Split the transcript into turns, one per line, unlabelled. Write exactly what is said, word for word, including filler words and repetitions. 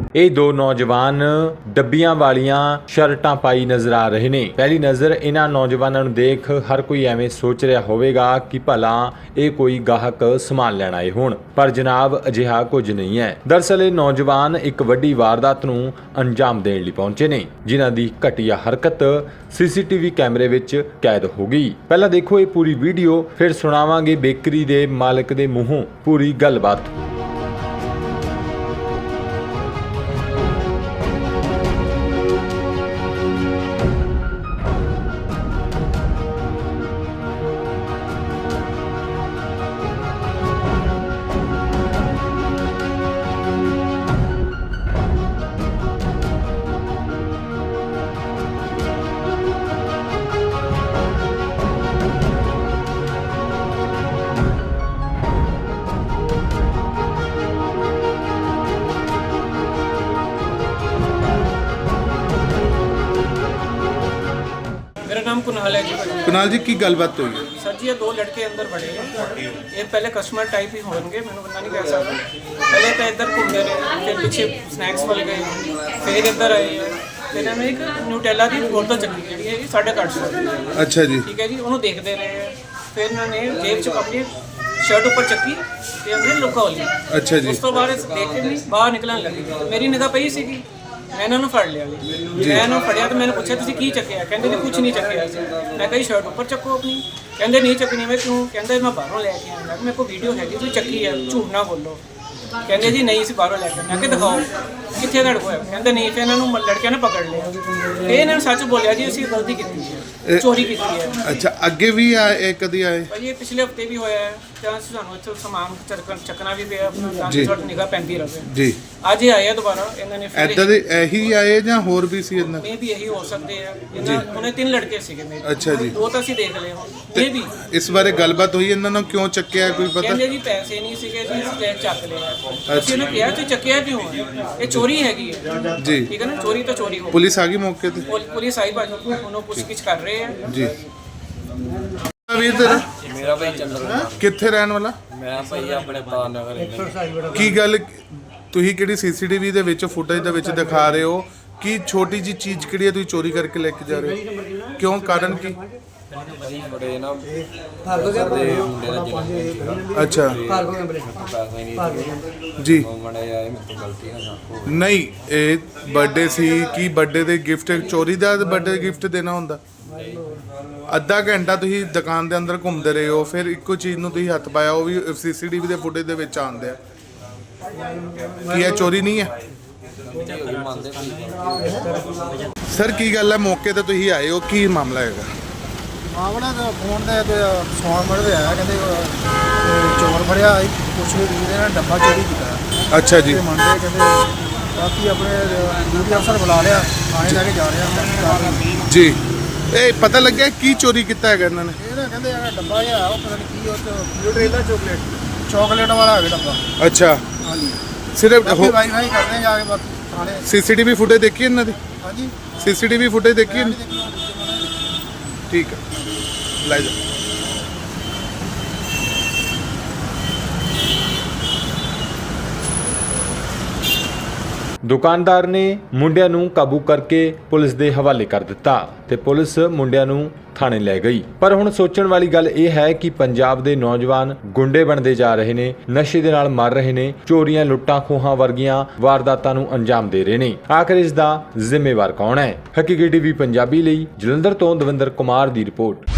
ਇਹ ਦੋ ਨੌਜਵਾਨ ਡੱਬੀਆਂ ਵਾਲੀਆਂ ਸ਼ਰਟਾਂ ਪਾਈ ਨਜ਼ਰ ਆ ਰਹੇ ਨੇ। ਪਹਿਲੀ ਨਜ਼ਰ ਇਹਨਾਂ ਨੌਜਵਾਨਾਂ ਨੂੰ ਦੇਖ ਹਰ ਕੋਈ ਐਵੇਂ ਸੋਚ ਰਿਹਾ ਹੋਵੇਗਾ ਕਿ ਭਲਾ ਇਹ ਕੋਈ ਗਾਹਕ ਸਮਾਨ ਲੈਣ ਆਏ ਹੋਣ, ਪਰ ਜਨਾਬ ਅਜਿਹਾ ਕੁਝ ਨਹੀਂ ਹੈ। ਦਰਅਸਲ ਇਹ ਨੌਜਵਾਨ ਇੱਕ ਵੱਡੀ ਵਾਰਦਾਤ ਨੂੰ ਅੰਜਾਮ ਦੇਣ ਲਈ ਪਹੁੰਚੇ ਨੇ, ਜਿਨ੍ਹਾਂ ਦੀ ਘਟੀਆ ਹਰਕਤ ਸੀਸੀਟੀਵੀ ਕੈਮਰੇ ਵਿੱਚ ਕੈਦ ਹੋ ਗਈ। ਪਹਿਲਾਂ ਦੇਖੋ ਇਹ ਪੂਰੀ ਵੀਡੀਓ, ਫਿਰ ਸੁਣਾਵਾਂਗੇ ਬੇਕਰੀ ਦੇ ਮਾਲਕ ਦੇ ਮੂੰਹੋਂ ਪੂਰੀ ਗੱਲਬਾਤ।
मेरा नाम कुणाल है जी।
कुणाल जी की गलबात हुई है?
सर जी ये दो लड़के अंदर बड़े हैं, ये पहले कस्टमर टाइप ही होंगे, मैंने बंदा नहीं कह सकता। पहले तो इधर घूमते रहे, फिर पीछे स्नैक्स वाले गए, फिर इधर आए, फिर हमें एक न्यूटेला की बोतल चक्की जी है साढ़े आठ सौ।
अच्छा जी,
ठीक है जी, उन्होंने देखते रहे, फिर उन्होंने जेब च अपनी शर्ट ऊपर चक्की ਤੇ ਉਹਨੇ ਲੁਕਾ ਲਈ।
अच्छा जी,
ਉਸ ਤੋਂ ਬਾਅਦ ਦੇਖ ਕੇ ਨਹੀਂ ਬਾਹਰ ਨਿਕਲਣ ਲੱਗੀ, ਮੇਰੀ ਨਿਗਾਹ ਪਈ ਸੀਗੀ, ਮੈਂ ਇਹਨਾਂ ਨੂੰ ਫੜ ਲਿਆ ਜੀ। ਮੈਂ ਇਹਨੂੰ ਫੜਿਆ ਤੇ ਮੈਨੂੰ ਪੁੱਛਿਆ ਤੁਸੀਂ ਕੀ ਚੱਕਿਆ? ਕਹਿੰਦੇ ਨੇ ਕੁਝ ਨਹੀਂ ਚੱਕਿਆ ਸੀ। ਮੈਂ ਕਹੀ ਸ਼ਰਟ ਉੱਪਰ ਚੱਕੋ ਆਪਣੀ। ਕਹਿੰਦੇ ਨਹੀਂ ਚੱਕਣੀ। ਮੈਂ ਕਿਉਂ? ਕਹਿੰਦੇ ਮੈਂ ਬਾਹਰੋਂ ਲੈ ਕੇ ਆਇਆ, ਮੇਰੇ ਕੋਲ ਵੀਡੀਓ ਹੈਗੀ, ਤੁਸੀਂ ਚੱਕੀ ਹੈ, ਝੂਠ ਨਾ ਬੋਲੋ। ਕਹਿੰਦੇ ਜੀ ਨਹੀਂ ਸੀ ਬਾਹਰੋਂ ਲੈ ਕੇ। ਮੈਂ ਕਿ ਦਿਖਾਓ ਕਿੱਥੇ ਤੁਹਾਡੇ ਕੋਲ ਹੈ? ਕਹਿੰਦੇ ਨਹੀਂ। ਫਿਰ ਇਹਨਾਂ ਨੂੰ ਲੜਕਿਆਂ ਨੇ ਪਕੜ ਲਿਆ ਤੇ ਇਹਨਾਂ ਨੇ ਸੱਚ ਬੋਲਿਆ ਜੀ ਅਸੀਂ ਗਲਤੀ ਕੀਤੀ ਹੈ, ਚੋਰੀ ਕੀਤੀ ਹੈ।
अच्छा ਅੱਗੇ ਵੀ ਆਏ ਕਦੀ ਆਏ?
ਭਾਜੀ ਇਹ ਪਿਛਲੇ ਹਫਤੇ ਵੀ ਹੋਇਆ ਹੈ, ਜਾਂ ਸਾਨੂੰ ਇੱਥੋਂ ਸਮਾਨ ਚੱਕਣ ਚੱਕਣਾ ਵੀ ਪਿਆ ਆਪਣਾ, ਤਾਂ
ਜੀ।
ਕਿ ਤੁਹਾਡੀ ਨਿਗਾਹ ਪੈਂਦੀ ਰਹੇ।
ਜੀ,
ਅੱਜ ਇਹ ਆਏ ਆ ਦੁਬਾਰਾ, ਇਹਨਾਂ ਨੇ ਫਿਰ
ਐਦਾਂ ਦੇ ਇਹੀ ਆਏ ਜਾਂ ਹੋਰ ਵੀ ਸੀ ਇਹਨਾਂ?
ਮੇ ਵੀ ਇਹੀ ਹੋ ਸਕਦੇ ਆ। ਇਹਨਾਂ ਉਹਨੇ ਤਿੰਨ ਲੜਕੇ ਸੀਗੇ ਮੇਰੇ।
ਅੱਛਾ ਜੀ,
ਦੋ ਤਾਂ ਅਸੀਂ ਦੇਖ ਲਏ ਹੁਣ, ਇਹ ਵੀ
ਇਸ ਬਾਰੇ ਗੱਲਬਾਤ ਹੋਈ ਇਹਨਾਂ ਨੂੰ ਕਿਉਂ ਚੱਕਿਆ ਕੋਈ ਪਤਾ?
ਕਹਿੰਦੇ ਜੀ ਪੈਸੇ ਨਹੀਂ ਸੀਗੇ ਜੀ, ਇਸ ਲਈ ਚੱਕ ਲਿਆ। ਅਸੀਂ ਇਹਨੂੰ ਕਿਹਾ ਤੂੰ ਚੱਕਿਆ ਕਿਉਂ ਹੈ? ਇਹ ਚੋਰੀ ਹੈਗੀ ਹੈ
ਜੀ।
ਠੀਕ ਹੈ ਨਾ, ਚੋਰੀ ਤਾਂ ਚੋਰੀ ਹੋ।
ਪੁਲਿਸ ਆ ਗਈ ਮੌਕੇ ਤੇ?
ਪੁਲ- ਪੁਲਿਸ ਆਈ ਭਾਜੀ, ਉਹਨੂੰ ਪੁੱਛਗਿੱਛ ਕਰ ਰਹੇ ਆ
ਜੀ। ਵੀਰ ਤੇਰਾ
ਮੇਰਾ ਭਾਈ ਚੰਦਰ,
ਕਿੱਥੇ ਰਹਿਣ ਵਾਲਾ?
ਮੈਂ ਭਾਈ ਆਪਣੇ ਪਾਰ ਨਗਰ।
ਕੀ ਗੱਲ, ਤੁਸੀਂ ਕਿਹੜੀ ਸੀਸੀਟੀਵੀ ਦੇ ਵਿੱਚ ਫੁਟੇਜ ਦੇ ਵਿੱਚ ਦਿਖਾ ਰਹੇ ਹੋ ਕਿ ਛੋਟੀ ਜੀ ਚੀਜ਼ ਕਿਹੜੀ ਹੈ ਤੁਸੀਂ ਚੋਰੀ ਕਰਕੇ ਲੈ ਕੇ ਜਾ ਰਹੇ ਹੋ? ਕਿਉਂ, ਕਾਰਨ ਕੀ?
ਭਾਈ ਬੜੇ ਨਾ ਦੇ ਮੁੰਡੇ ਦਾ ਜਨਮ
ਅੱਛਾ
ਪੈਸਾ ਹੀ ਨਹੀਂ
ਜੀ।
ਉਹ ਮੜੇ ਆਏ, ਮੇਰੇ ਤੋਂ ਗਲਤੀ ਨਾ ਹੋ ਗਈ।
ਨਹੀਂ, ਇਹ ਬਰਥਡੇ ਸੀ ਕੀ ਬਰਥਡੇ ਦੇ ਗਿਫਟ, ਚੋਰੀ ਦਾ ਬਰਥਡੇ ਗਿਫਟ ਦੇਣਾ ਹੁੰਦਾ? ਅੱਧਾ ਘੰਟਾ ਤੁਸੀਂ ਦੁਕਾਨ ਦੇ ਅੰਦਰ ਘੁੰਮਦੇ ਰਹੇ ਹੋ, ਫਿਰ ਇੱਕੋ ਚੀਜ਼ ਨੂੰ ਤੁਸੀਂ ਹੱਥ ਪਾਇਆ, ਉਹ ਵੀ ਸੀਸੀਟੀਵੀ ਦੇ ਫੁਟੇਜ ਦੇ ਵਿੱਚ ਆਉਂਦੇ ਆ। ਕੀ ਇਹ ਚੋਰੀ ਨਹੀਂ ਹੈ?
ਮੰਨਦੇ ਭਾਈ
ਸਰ ਕੀ ਗੱਲ ਹੈ, ਮੌਕੇ ਤੇ ਤੁਸੀਂ ਆਏ ਹੋ, ਕੀ ਮਾਮਲਾ ਹੈਗਾ?
ਮਾਮਲਾ ਤਾਂ ਫੋਨ ਦਾ ਤੇ ਸੌਣ ਮੜਦੇ ਆਇਆ, ਕਹਿੰਦੇ ਤੇ ਚੋਰ ਫੜਿਆ ਕੁਛ ਵੀ ਇਹਦੇ ਨਾਲ ਡੱਬਾ ਚੋਰੀ ਕੀਤਾ।
ਅੱਛਾ ਜੀ,
ਤੇ ਮੰਨਦੇ ਕਹਿੰਦੇ ਬਾਕੀ ਆਪਣੇ ਡਿਊਟੀ ਅਫਸਰ ਬੁਲਾ ਲਿਆ, ਥਾਣੇ ਲੈ ਕੇ ਜਾ ਰਿਹਾ।
ਜੀ। ਇਹ ਪਤਾ ਲੱਗਿਆ ਕੀ ਚੋਰੀ ਕੀਤਾ ਹੈਗਾ ਇਹਨਾਂ ਨੇ?
ਇਹ ਨਾ ਕਹਿੰਦੇ ਆ ਡੱਬਾ ਜਿਹਾ ਉਹ ਪਤਾ ਨਹੀਂ ਕੀ, ਉਹ ਚ ਨਿਊਟਰੇਲਾ ਚਾਕਲੇਟ ਚਾਕਲੇਟ ਵਾਲਾ ਹੈਗਾ ਡੱਬਾ।
ਅੱਛਾ,
ਹਾਂਜੀ,
ਸਿਰਫ
ਬਾਕੀ ਵਾਈ ਵਾਈ ਕਰਦੇ ਆ ਜਾ ਕੇ ਬਾਕੀ ਥਾਣੇ।
ਸੀਸੀਟੀਵੀ ਫੁਟੇਜ ਦੇਖੀ ਇਹਨਾਂ ਦੀ?
ਹਾਂਜੀ,
ਸੀਸੀਟੀਵੀ ਫੁਟੇਜ ਦੇਖੀ ਇਹਨਾਂ ਦੀ? ਠੀਕ ਹੈ, ਲੈ ਜਾ।
ਦੁਕਾਨਦਾਰ ਨੇ ਮੁੰਡਿਆਂ ਨੂੰ ਕਾਬੂ ਕਰਕੇ ਪੁਲਿਸ ਦੇ ਹਵਾਲੇ ਕਰ ਦਿੱਤਾ ਤੇ ਪੁਲਿਸ ਮੁੰਡਿਆਂ ਨੂੰ ਥਾਣੇ ਲੈ ਗਈ। ਪਰ ਹੁਣ ਸੋਚਣ ਵਾਲੀ ਗੱਲ ਇਹ ਹੈ ਕਿ ਪੰਜਾਬ ਦੇ ਨੌਜਵਾਨ ਗੁੰਡੇ ਬਣਦੇ ਜਾ ਰਹੇ ਨੇ, ਨਸ਼ੇ ਦੇ ਨਾਲ ਮਰ ਰਹੇ ਨੇ, ਚੋਰੀਆਂ, ਲੁੱਟਾਂ ਖੋਹਾਂ ਵਰਗੀਆਂ ਵਾਰਦਾਤਾਂ ਨੂੰ ਅੰਜਾਮ ਦੇ ਰਹੇ ਨੇ। ਆਖਰ ਇਸ ਦਾ ਜ਼ਿੰਮੇਵਾਰ ਕੌਣ ਹੈ? ਹਕੀਕੀ ਟੀਵੀ ਪੰਜਾਬੀ ਲਈ ਜਲੰਧਰ ਤੋਂ ਦਵਿੰਦਰ ਕੁਮਾਰ ਦੀ ਰਿਪੋਰਟ।